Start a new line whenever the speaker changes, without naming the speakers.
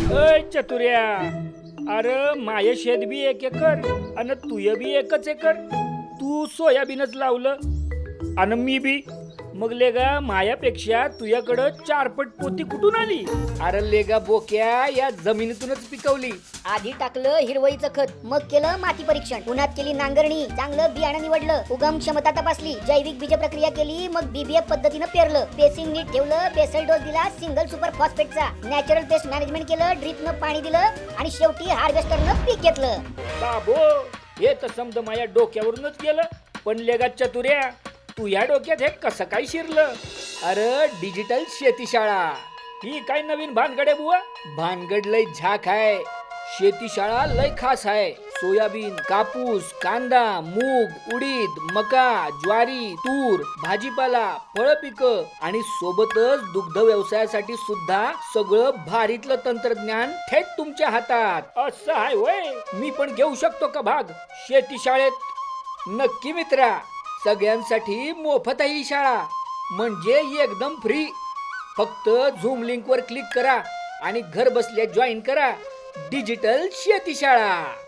अय चतुर्या, अरे माय शेत बी 1 एकर आणि तुय बी 1 एकर. तू सोयाबीनच लावलं आणि मी बी. मग लेगा मायापेक्षा तुझ्याकडं 4 पट पोती कुठून आली? अरे लेगा बोक्या, या जमिनीतूनच पिकवली.
आधी टाकलं हिरवळीचं खत, मग केलं माती परीक्षण, उन्हात केली नांगरणी, चांगलं बियाणं निवडलं, उगम क्षमता तपासली, जैविक बीज प्रक्रिया केली, मग बीबीएफ पद्धतीनं पेरलं, पेसिंग नीट ठेवलं, बेसल डोस दिला सिंगल सुपर फॉस्फेटचा, नॅचरल पेस्ट मॅनेजमेंट केलं, ड्रिपनं पाणी दिलं आणि शेवटी हार्वेस्टरनं पीक घेतलं.
बाबो, हे तर समज माझ्या डोक्यावरूनच गेलं. पण लेगा चतुर्या, तू या डोक्यात हे कसं काय शिरलं? अरे डिजिटल शेतीशाळा ही काय नवीन भानगड आहे बुवा? भानगड लय झाक आहे. शेतीशाळा लय खास आहे. सोयाबीन, कापूस, कांदा, मूग, उडीद, मका, ज्वारी, तूर, भाजीपाला, फळ पिकं आणि सोबतच दुग्ध व्यवसायासाठी सुद्धा सगळं भारीतलं तंत्रज्ञान थेट तुमच्या हातात. असं आहे होय? मी पण घेऊ शकतो का भाग शेतीशाळेत? नक्की मित्रा, सगळ्यांसाठी मोफत आहे ही शाळा, म्हणजे एकदम फ्री. फक्त झूम लिंक वर क्लिक करा आणि घर बसल्या जॉईन करा डिजिटल शेतीशाळा.